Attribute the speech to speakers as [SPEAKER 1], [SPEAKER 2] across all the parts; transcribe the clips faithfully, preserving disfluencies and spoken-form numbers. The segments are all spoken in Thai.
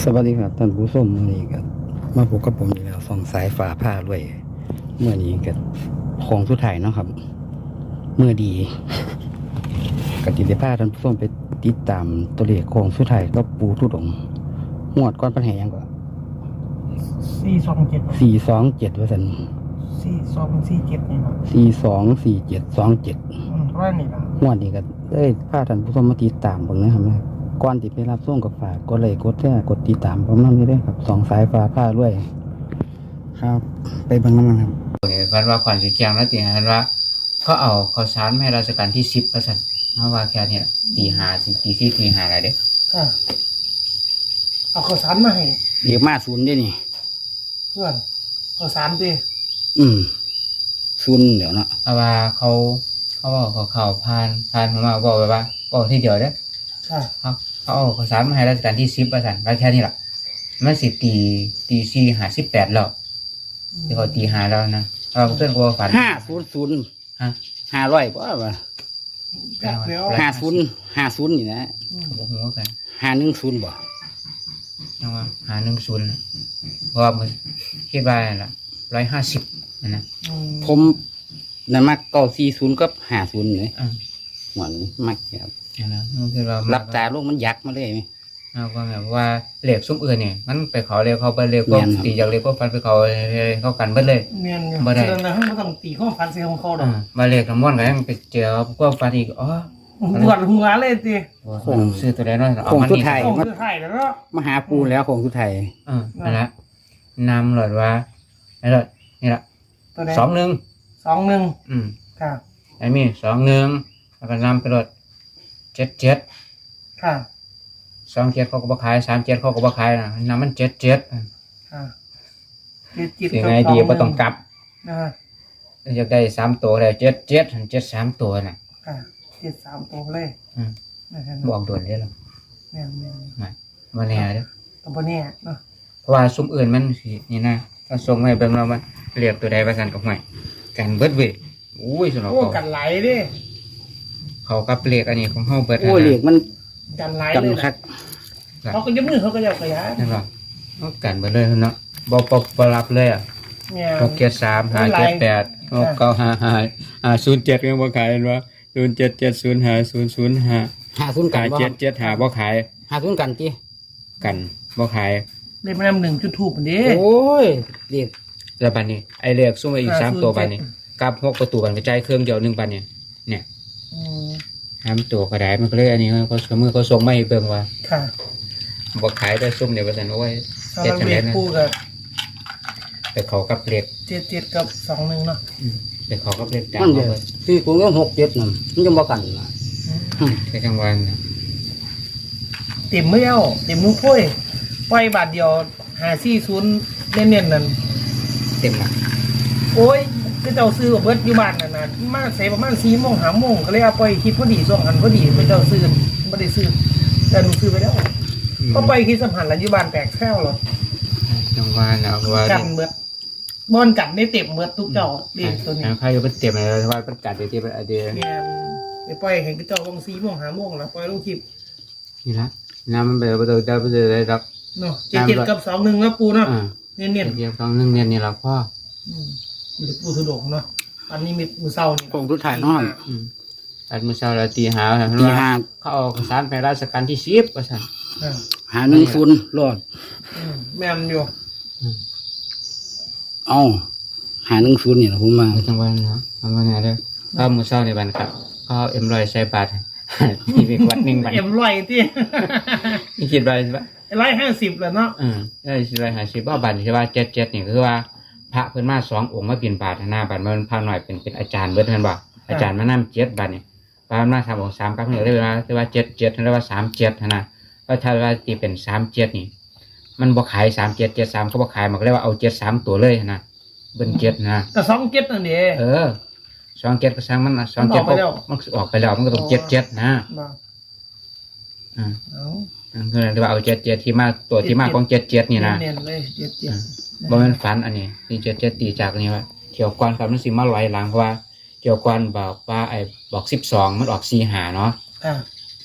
[SPEAKER 1] สวัสดีครับท่านผู้ชมเมื่อนี้ก็มาพบกับผมอีกแล้วส่องสายฝาผ้าด้วยเมื่อนี้ก็ของสุดท้ายเนาะครับเมื่อดีกติได้พาท่านผู้ชมไปติดตามตัวเลขของสุดท้ายก็ปูทุดงงวดก้อนปัญหายังก็
[SPEAKER 2] สี่สองเจ็ด
[SPEAKER 1] สี่สองเจ็ดว่าสัน
[SPEAKER 2] สี่สองสี่เจ็ดนี่ครับ
[SPEAKER 1] สี่สองสี่เจ็ดสองเจ็ด
[SPEAKER 2] ว่านี่ละ
[SPEAKER 1] งวดนี้ก็ได้พาท่านผู้ชมมาติดตามผมนะครับก่อนที่ไปรับส่งกับฝากกดไลค์กดแชร์กดติดตามผมนั่นนี่ด้วยครับสองสายฟ้าผ้าด้วยครับไปเบิ่งน้ำมันครับ
[SPEAKER 3] พันว่าขวัญสีแกงแล้วตีพันว่าเขาเอาเขาชาร์จให้ราชการที่สิบเปอร์เซ็นต์เพราะว่าแค่เนี้ยตีหาสิตีสี่ตีหาอะไรเด้อ
[SPEAKER 2] ค่ะเอาข้าวสารมาให้
[SPEAKER 1] เดี๋ยวมาศูนย์ด้วยนี่
[SPEAKER 2] เพื่อนข้าวสารดิ
[SPEAKER 1] อืมศูนย์เดี๋ยวนะ
[SPEAKER 3] เพราะว่าเขาเขาบอกเขาเข่าพานพานผมมาบอกไปว่าบอกที่เดียวเด้อ
[SPEAKER 2] ค่ะ
[SPEAKER 3] เขาเขาเอาเขาชาร์จมาให้ราชการที่สิบเปอร์เซ็นต์ว่าแค่นี้แหละมันสิตีตีสี่หาสิบแปดแล้วที่เขาตีหาแล้วนะเราเพื่อนกลัวฝัน
[SPEAKER 1] ห้าศูนย์ศูนย์ฮะห้าร้อยป่ะวะห้าศูนย์ห้าศูนย์นี่นะ
[SPEAKER 3] บอกหัวกัน
[SPEAKER 1] ห้าหนึ่งศูนย์บ่
[SPEAKER 3] ยังว่าหาหนึ่งศูนย์เพราะว่ามันคิดว่าอะไรร้อยห้าสิบนะ
[SPEAKER 1] ผมนั่นมักเก้าสี่ศูนย์ก็ห้าศูนย์เลยหมอนมักครับรับตาลูกมันยักษ์มาเลยไหม
[SPEAKER 3] เอาก็แบบว่าเหล็กซุ้มอื่นเนี่ยมันไปเขาเรียกเขาไปเรียกก็ตีจากเรียกก็ฟันไปเขาเขากันเบิดเลย
[SPEAKER 2] เมียนมาได้แล้วเขาไม่ต้องตีข้อฟันเสียของเขาหรอก
[SPEAKER 3] มาเรียกน้ำมันก็ยังไปเจอก็ฟันอีกอ๋อ
[SPEAKER 2] ปวดหัวเลยสิ
[SPEAKER 3] คงซื้อตัวแรกน้อย
[SPEAKER 1] เอามันนี่
[SPEAKER 2] คงสุดท้ายแล้วก็
[SPEAKER 1] มาหาปูแล้วคงสุดท้าย
[SPEAKER 3] อ่านั่นแหละนำหลอดว่าไอ้หลอดนี่แหละสองหนึ่ง
[SPEAKER 2] สองหนึ่ง
[SPEAKER 3] อืม
[SPEAKER 2] ค่ะ
[SPEAKER 3] ไอ้มีสองหนึ่งแล้วก็นำไปหลอดเจ็ดเจ็ด
[SPEAKER 2] ค่ะ
[SPEAKER 3] สองเจ็ดเขาก็บขายสามเจ็ดเขาก็บขายนะน้ำมันเจ็ดเจ็ด
[SPEAKER 2] ค่ะเจ็ดเจ็ด
[SPEAKER 3] ยังไงดีก็ต้องกลับ
[SPEAKER 2] นะ
[SPEAKER 3] อยากได้สามตัวเลยเจ็ดเจ็ดเจ็ดสามตัวน่ะ
[SPEAKER 2] ค่ะเจ็ดสามตัวเลย
[SPEAKER 3] บอกด่วนเลยหรอ
[SPEAKER 2] แม่แม่
[SPEAKER 3] ไม่มาเนี่ยเด้อ
[SPEAKER 2] ตัวเนี่ยเนาะ
[SPEAKER 3] เพราะว่าซุ้มอื่นมันนี่นะถ้าส่งให้เบิ่งเรามันเรียกตัวใดประสันกับหวยกันเบิดเว้ยอุ้ยสนองเขา
[SPEAKER 2] กันไหลดิ
[SPEAKER 3] เขากับเรียกอันนี้ของเขาเบิด
[SPEAKER 1] โอ้เรียกมัน
[SPEAKER 2] กันไหลเลยเขาก็ยับมือเขาก็ยับขยาย
[SPEAKER 3] นั่นหรอเขากันเบิดเลยเนาะบอปบรับเลยอ่ะหกเจ็ดสามหาเจ็ดแปดหกเก้าห้าห้าอ่าศูนย์เจ็ดยังบ่ขายเห็นว่าศูนย์เจ็ดเจ็ดศูนย์ห้าศูนย์ศูนย์ห้า
[SPEAKER 1] ห้าศูนย์กัน
[SPEAKER 3] เจ็ดเจ็ดหาบ่ขาย
[SPEAKER 1] ห้าศูนย์กันจี
[SPEAKER 3] กันบ่ขาย
[SPEAKER 2] เรียกมานำหนึ่งจุดถูกมันดิ
[SPEAKER 1] โอ้ยเรียก
[SPEAKER 3] แล้วบันนี้ไอเรียกซุ่มไปอีกสามตัวบันนี้กับหกประตูบันกระจายเครื่องเดียวหนึ่งบันเนี่ยเนี่ยห้ามตัวกระไดมันก็เลยอันนี้เขาสมือเขาส่งไม่เบิ่งว่า
[SPEAKER 2] ค่ะ
[SPEAKER 3] บ่ขายได้ซุ่มเดี๋ยวประสันโอ้ย
[SPEAKER 2] เจ็ดเจ็ดคู่กับ
[SPEAKER 3] แต่เขากับเรียก
[SPEAKER 2] เจ็ดเจ็ดกับสองหนึ่งเนาะ
[SPEAKER 3] แต่เขากับเรียก
[SPEAKER 1] ดังเลยที่กูก็หกเจ็ดนั่นมันจะบ่กันนะ
[SPEAKER 3] แค่กลางวัน
[SPEAKER 2] เต็มไม่เอาเต็มมุ้งพ้ยปล่อยบาทเดียวหาซี่ศูนย์เน้นๆนั่น
[SPEAKER 3] เต็มละ
[SPEAKER 2] โอ้ยก็เจ้าซื้อเบิร์ดอยู่บ้านนั่นนะมาใส่ประมาณสี่โมงหาโมงก็เลยเอาไปคิดพอดีส่งหันพอดีไปเจ้าซื้อไม่ได้ซื้อแต่หนูซื้อไปแล้วก็ไปคิดสัมผัสแล้วอยู่บ้านแตกแค่หร
[SPEAKER 3] อกลางวันเอาว่า
[SPEAKER 2] กันเบิร์ดบอนกัดได้เต็มเบิร์ดทุกเจ้าดีตัวนี้
[SPEAKER 3] ใครก็เต็มเลยว่าเป็นกัดเดี๋ยวที่เป็นไอเดีย
[SPEAKER 2] เนี่ยไปปล่อยเห็นก็เจ้าวงสี่โมงหาโมงแล้วปล่อยลูกคลิป
[SPEAKER 3] นี่ละน้ำมันไปประตูได้ประตูได้รับ
[SPEAKER 2] เนาะเจ็ดเจ็ดกับสองหนึ่งแล้วปูเนาะเนียนเนียน
[SPEAKER 3] เจ็ดสองหนึ่งเนียนนี่เราพ่อ
[SPEAKER 2] หรือปูสุดงเนาะอันนี้มีมือเศร้านี่
[SPEAKER 1] คงทุกถ่ายน้อง
[SPEAKER 3] อันมือเศร้าเราตีหา
[SPEAKER 1] ตีหา
[SPEAKER 3] เขาเอาสารไปราชการที่สิบก็ใช่
[SPEAKER 1] หาหนึ่งศูนย์รอด
[SPEAKER 2] แม่นอยู่
[SPEAKER 1] เอาหาหนึ่งศูนย์เนี่ยผมมา
[SPEAKER 3] จังหวัดเนาะทำงานได้ก็มือเศร้าในบ้านครับเขาเอ็มรอยใส่บาทที่เป็นวัดหนึ่งบาท
[SPEAKER 2] เอ็มรอยที่
[SPEAKER 3] นี่คิดไปใช่ปะ
[SPEAKER 2] ร้อยห้าสิบแล้วเนาะ
[SPEAKER 3] อืมได้สิร้อยห้าสิบว่าบาทใช่ป่ะเจ็ดเจ็ดนี่คือว่าพระเพิ่นมาสององค์มาเป็นบาทหน้าบาทมันพาหน่อยเป็นเป็นอาจารย์เบิดท่านบอกอาจารย์มานั่งเจ็ดบาทนี่พระมาทำองค์สามกับเหนือได้เวลาที่ว่าเจ็ดเจ็ดเรียกว่าสามเจ็ดนะก็ถ้าว่าตีเป็นสามเจ็ดนี่มันบ่ขายสามเจ็ดเจ็ดสามเขาบ่ขายมันก็เรียกว่าเอาเจ็ดสามตัวเลยนะเป็นเจ็ดนะ
[SPEAKER 2] แต่สองเจ็ดนั่นเอง
[SPEAKER 3] เออสองเจ็ดก็สร้างมันสองเจ็ดก็มันออกไปแล้วมันก็ต้องเจ็ดเจ็ดนะอ่าคือเรียกว่าเอาเจ็ดเจ็ดที่มาตัวที่มาของเจ็ดเจ็ดนี่นะบ่เป็นฝันอันนี้ที่เจ็ดเจ็ดตีจากนี้ว่าเกี่ยวกันกับมันสิมาลอยหลังเพราะว่าเกี่ยวกันบอกว่าไอ้บอกสิบสองมันออกสี่หาเนาะ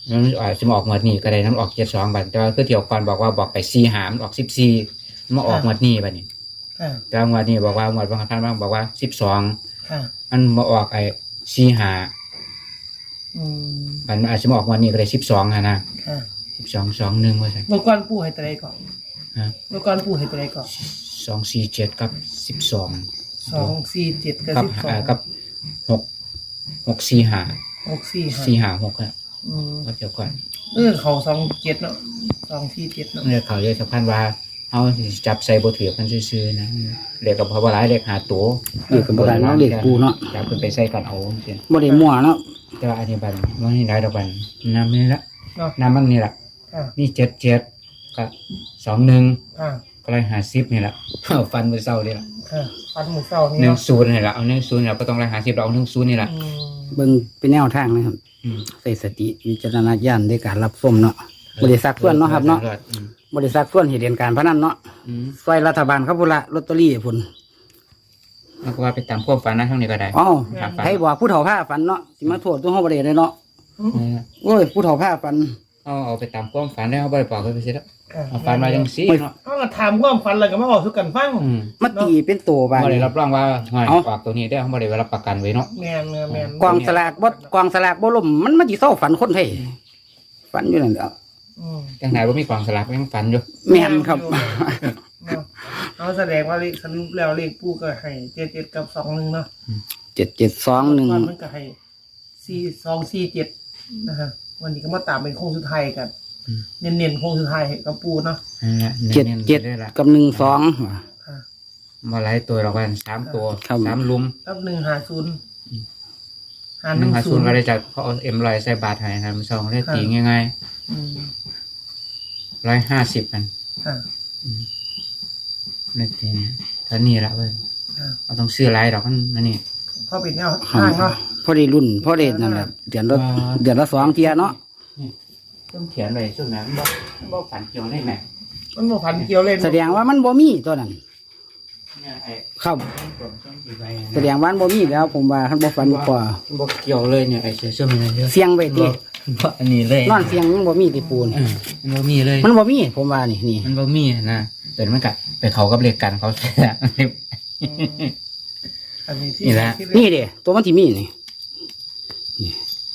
[SPEAKER 3] มันอาจจะมาออกหมวดนี้ก็ได้น้ำออกเจ็ดสองบัดแต่ว่าคือเที่ยวก่อนบอกว่าบอกไปสี่หามนออกสิบสี่มาออกหมวดนี้บัดนี้
[SPEAKER 2] ค่ะ
[SPEAKER 3] แต่ว่าหมวดนี้บอกว่าหมวดบางท่านบางบอกว่าสิบสอง
[SPEAKER 2] ค่ะ
[SPEAKER 3] มันมาออกไอ้สี่หา
[SPEAKER 2] อืม
[SPEAKER 3] บัดมันอาจจะมาออกหมวดนี้ก็ได้สิบสองฮะนะ
[SPEAKER 2] ค่ะ
[SPEAKER 3] สิบสองสองหนึ่งว่าใช่
[SPEAKER 2] เมื่อก่อนปู่ให้ตัวใดก่อน
[SPEAKER 3] ฮะ
[SPEAKER 2] เมื่อก่อนปู่ให้ตัวใดก่อน
[SPEAKER 3] สองสี่เจ็ดกับสิบสอง
[SPEAKER 2] สองสี่เจ็ดกับ
[SPEAKER 3] กับ
[SPEAKER 2] สิบสอง
[SPEAKER 3] อ่ากับหกหกสี่หา
[SPEAKER 2] หกสี่ห้า
[SPEAKER 3] สี่หาหกอะ
[SPEAKER 2] อืม
[SPEAKER 3] ก็เดี๋ยวก่อน
[SPEAKER 2] เออเขาสองเจ็ดเนาะสองสี่เจ็ดเนาะ
[SPEAKER 3] เรื่องเขาเยอะสำคัญว่าเอาสิจับใส่บทถือกันซื่อๆนะเรียกกับพระบรายเรียกหาตัว
[SPEAKER 1] เด็กกับบ่ได้เนาะเด็กปูเนาะ
[SPEAKER 3] จับขึ้นไปใส่กันเอาเสีย
[SPEAKER 1] บ่ได้มั่วเนาะ
[SPEAKER 3] แต่ว่าอันนี้บันมันนี่ได้ดอกบันน้ำนี่ละ
[SPEAKER 2] เนาะ
[SPEAKER 3] น้ำมันนี่ละ
[SPEAKER 2] ค่ะ
[SPEAKER 3] นี่เจ็ดเจ็ดก็สองหนึ่ง
[SPEAKER 2] ค่ะ
[SPEAKER 3] ก็เลยหาสิบนี่ละ ฟันมือเศร้านี่ละ
[SPEAKER 2] ค่ะฟันมือเศร้านี่
[SPEAKER 3] หนึ่ง
[SPEAKER 2] เนาะ
[SPEAKER 3] ศูนย์นี่ละเอาหนึ่งศูนย์นี่ละก็ต้องเลยหาสิบเราเอาหนึ่งศูนย์นี่ละ
[SPEAKER 2] อืม
[SPEAKER 1] เบิ่งเป็นแนวทางนะครับ
[SPEAKER 3] อืม
[SPEAKER 1] ใส่สติวิจารณญาณในการรับชมเนาะบ่ได้ซักส่วนเนาะครับเนาะ
[SPEAKER 3] อืม
[SPEAKER 1] บ่ได้ซักส่วนเหตุเรียนการพนันเนาะ
[SPEAKER 3] อืม
[SPEAKER 1] ซอยรัฐบาลครับพุ่นละลอตเตอรี่พุ่น
[SPEAKER 3] แล้วก็ว่าไปตามความฝันนะทั้งนี้ก็ได้
[SPEAKER 1] อ้าว
[SPEAKER 3] ครับ
[SPEAKER 1] ใครบอกผู้เฒ่าผ้าฝันเนาะสิมาโทษตัวเฮาบ่ได้เลยเนาะ
[SPEAKER 3] นี่ละ
[SPEAKER 1] โอ้ยผู้เฒ่าผ้าฝัน
[SPEAKER 3] เอาเอาไปตามความฝันได้เขาบ่ได้บอกเขาไปสิแล้ว
[SPEAKER 2] ค่ะ
[SPEAKER 3] เอาฝันมาจังซี่เนาะ
[SPEAKER 2] เขาก็ถามความฝันแล้วก็มาบอกทุกกันฟัง
[SPEAKER 3] อืม
[SPEAKER 1] มาตีเป็นตัวบาด
[SPEAKER 3] บ่ได้
[SPEAKER 1] นี้
[SPEAKER 3] รับรองว่าห้อย
[SPEAKER 1] เอ้า
[SPEAKER 3] ออกตัวนี้ได้เขาบ่ได้รับประกันไว้เนาะ
[SPEAKER 2] แม่นแม่นแม่น
[SPEAKER 1] กองสลากบ่กองสลากบ่ล่มมันมาสิเศร้าฝันคนไทยฝันอยู่นั่นแหละ
[SPEAKER 2] อืม
[SPEAKER 3] จังไหนว่ามีกองสลากยังฝันอยู่
[SPEAKER 1] แม่นครับ
[SPEAKER 2] เนาะเอาแสดงว่าเลขสรุปแล้วเลขปู่ก็ให้เจ็ดเจ็ดกับสองหนึ่งเนาะ
[SPEAKER 1] เจ็ดเจ็ดสองหนึ่ง
[SPEAKER 2] วันมันก็ให้สี่สองสี่เจ็ดนะฮะวันนี้ก็มาตามเป็นโค้งสุดท้ายกันเน้นๆโค้งสุดท้ายให้กับปู่เนาะ
[SPEAKER 3] นั่นแหละ
[SPEAKER 1] เจ็ด
[SPEAKER 3] น้นๆ
[SPEAKER 1] เจ็ด
[SPEAKER 3] ได้ละ
[SPEAKER 1] กับหนึ่งสอง
[SPEAKER 2] ค่ะ
[SPEAKER 3] มาหลายตัวเรากันสามตัว
[SPEAKER 1] ครับ
[SPEAKER 3] สามลุม
[SPEAKER 2] รับหนึ่งหาศูนย์หา
[SPEAKER 3] ห
[SPEAKER 2] ห
[SPEAKER 3] นึ่
[SPEAKER 2] นึ่
[SPEAKER 3] ง
[SPEAKER 2] ง
[SPEAKER 3] หา
[SPEAKER 2] ศู
[SPEAKER 3] ศูน
[SPEAKER 2] น
[SPEAKER 3] ย์
[SPEAKER 2] ย์
[SPEAKER 3] ก็ได้จากเขาเอาเอ็มลอยใส่บาทให้นะมันสองได้ตีง่าย
[SPEAKER 2] อืม
[SPEAKER 3] ๆร้อยห้าสิบกัน
[SPEAKER 2] ค่ะ
[SPEAKER 3] ได้ตีเนี่ยเท่านี้ละเว้ย
[SPEAKER 2] ค่ะ
[SPEAKER 3] เราต้องซื้อหลายดอกมันนั่นนี่
[SPEAKER 2] พอเป็นแนวทางเนาะ
[SPEAKER 1] พอได้รุ่นพอได้นั่นแหละเดือนละ
[SPEAKER 3] อ่า
[SPEAKER 1] เดือนละสองเทียเนาะ
[SPEAKER 3] ต้องเขียนเลยช่วงนั้นบ่บ่ฝันเกี่ยวได้ไหม
[SPEAKER 2] มันบ่พันเกี่ยวเลย
[SPEAKER 1] แสดงว่ามันบ่มีตัวนั้น
[SPEAKER 3] เนี่ยไอ้
[SPEAKER 1] ครับ
[SPEAKER 3] ผมต้องกี่ใบ
[SPEAKER 1] แสดงว่ามันบ่มีแล้วผมว่าคันบ่ฝันบ่พอ
[SPEAKER 3] บ่เกี่ยวเลยเนี่ยไอ้เสื้อเสื้อมันเยอะ
[SPEAKER 1] เสียงไว้ติ
[SPEAKER 3] บ่อันนี้เลย
[SPEAKER 1] นอนเสียงยังบ่มีติปูน
[SPEAKER 3] เออมันบ่มีเลย
[SPEAKER 1] มันบ่มีผมว่านี่นี่
[SPEAKER 3] มันบ่มีนะแต่มันกะไปเขากับเลขกันเขาแท้
[SPEAKER 2] อันนี้ที่
[SPEAKER 3] นี่แหละ
[SPEAKER 2] ที่
[SPEAKER 1] นี่เด้ตัวมันที่มีนี่นี่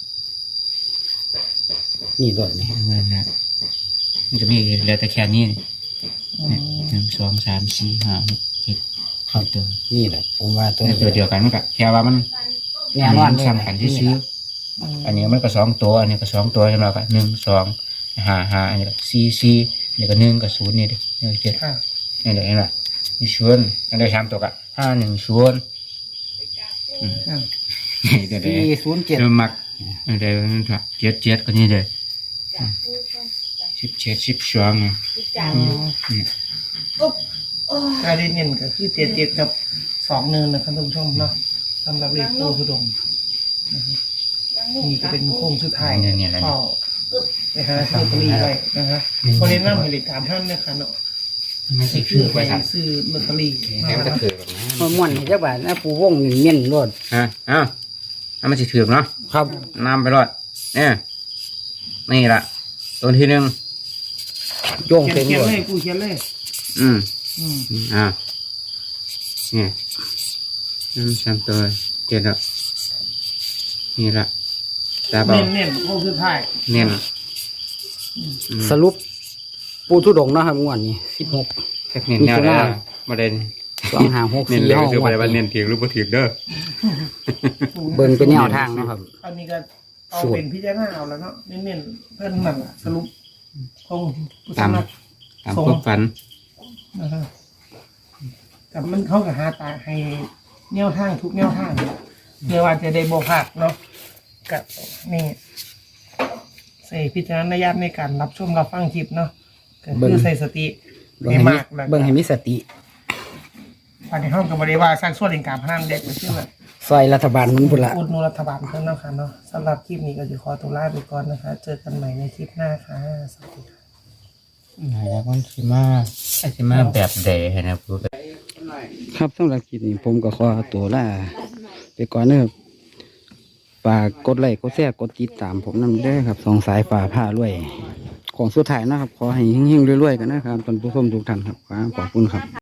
[SPEAKER 1] นี่ตัวนี้
[SPEAKER 3] เงินนะมันจะมีเหลือแต่แค่นี้นี่
[SPEAKER 2] อืม
[SPEAKER 3] หนึ่งสองสามสี่ห้าหกเจ็ดครับตัว
[SPEAKER 1] นี่แหละผมว่าตัว
[SPEAKER 3] ในตัวเดียวกันมันกะแค่ว่ามัน
[SPEAKER 1] แน่นอนเลย
[SPEAKER 3] ซ้ำกันที่ซื้อ
[SPEAKER 2] อืม
[SPEAKER 3] อันนี้มันก็สองตัวอันนี้ก็สองตัวใช่ไหมครับหนึ่งสองห้าห้าอันนี้ก็สี่สี่อันนี้ก็หนึ่งกับศูนย์นี่ดินี่เจ็ด
[SPEAKER 2] ค่ะ
[SPEAKER 3] นี่เดี๋ยวเห็นไหมนี่ชวนอันนี้สามตัวกะห้าหนึ่งชวนอืม
[SPEAKER 2] อ่า
[SPEAKER 3] นี่เดี๋ยวเดี๋ยว
[SPEAKER 1] สี่ศูนย์เจ็ด
[SPEAKER 3] เดี๋ยวมักเดี๋ยวนั่นค่ะเจ็ดเจ็ดก็นี่เลยสิบเจ็ดสิบสองอ่ะ
[SPEAKER 2] อืมการเน้นก็คือเจ็ดเจ็ดกับสองหนึ่งนะครับท่านผู้ชมเนาะสำหรับเลขปูสุดงนะครับนี่ก็เป็นโค้งสุดท้าย
[SPEAKER 3] เนี่ยเนี่ยอะไร
[SPEAKER 2] เฝ้าไปหาซื้อลอตเตอรี่ไว้นะฮะคนเล่นน้ำให้เลขตามท่านนะคะเนาะ
[SPEAKER 3] ไม่ใช่
[SPEAKER 2] นี่คื
[SPEAKER 3] คือ อ
[SPEAKER 2] ไป
[SPEAKER 3] ไปสั่น
[SPEAKER 2] ซื้อลอตเตอรี่
[SPEAKER 3] แค่มันจะถือแบบนั้น
[SPEAKER 1] มันม่วนให้จักบาทนะปูวงนี่เม่นรวด
[SPEAKER 3] ฮะอ้าวเอามันจะถือเนาะ
[SPEAKER 1] ครับ
[SPEAKER 3] นำไปรอดเนี่ยนี่ละตัวที่หนึ่ง
[SPEAKER 1] โยง
[SPEAKER 2] เขียน
[SPEAKER 1] เต็ม
[SPEAKER 2] เขียน
[SPEAKER 1] รวด
[SPEAKER 2] เลยกูเขียนเลย
[SPEAKER 3] อืม
[SPEAKER 2] อืม
[SPEAKER 3] อ่าเนี่ยนั่นสามตัวเจ็ดละนี่ละตาเบา
[SPEAKER 2] เน้นเน้นโค้งสุดท้าย
[SPEAKER 3] เน้น
[SPEAKER 1] สรุป ปูทุดงค์เนาะครับงวดนี้สิบหก
[SPEAKER 3] แค่เน้นแนวได้ละประเด็น
[SPEAKER 1] สองห้าหก
[SPEAKER 3] เน้น
[SPEAKER 1] สี่
[SPEAKER 3] เลย
[SPEAKER 1] ห้า
[SPEAKER 3] คือ
[SPEAKER 1] ง
[SPEAKER 3] ป
[SPEAKER 1] ว
[SPEAKER 3] ระ
[SPEAKER 1] ด
[SPEAKER 3] เด็นว่าเน้
[SPEAKER 1] นี้
[SPEAKER 3] นถีงหรือบ่ถีงเด้อ
[SPEAKER 1] เบิ่งเป็นแนวทางเนาะครับ
[SPEAKER 2] อันนี้ก็เอา
[SPEAKER 1] สูตร
[SPEAKER 2] เป็นพิจารณาเอาแล้วเนาะเน้นๆเพื่อนนั่นล่ะสรุปคงผู้
[SPEAKER 3] ตาม
[SPEAKER 2] สมัคร
[SPEAKER 3] ตามความฝัน
[SPEAKER 2] นะครับแต่มันเขากับหาตาให้แนวทางทุกแนวทางเพื่อว่าจะได้บ่พลาดเนาะกับนี่ใส่พิจารณญาณในการรับชมรับฟังคลิปเนาะก็
[SPEAKER 1] เบิ่
[SPEAKER 2] คือง ใส่สติ
[SPEAKER 1] เบิ่ง
[SPEAKER 2] ให้
[SPEAKER 1] ให้มี
[SPEAKER 2] มากแล้ว
[SPEAKER 1] เบิ่งให้มีสติ
[SPEAKER 2] ภายในห้องกับบริวารสร้างส่วนแห่งการพนันเด็กไปชื่อว่า
[SPEAKER 1] ซอยรัฐบาลมันพุ่นละ
[SPEAKER 2] อุดหนุนรัฐบาลเพิ่มเนาะค่ะเนาะสำหรับคลิปนี้ก็จะขอตัวลาไปก่อนนะคะ เจอกันใหม่ในคลิปหน้าค่ะสวัสดีค่ะ
[SPEAKER 3] แล้วมันสิมาไอ้สิมาแบบเดย์นะพูด
[SPEAKER 1] ครับสำหรับคลิปนี้ผมก็ขอตัวลาไปก่อนนะครับฝากกดไลค์กดแชร์กดติดตามผมนำได้อครับสองสายฝ่าผ้ารวย ของสุดท้ายนะครับ ขอให้เฮงๆรวยๆกันนะครับท่านผู้ชมทุกท่านครับขอบคุณครับ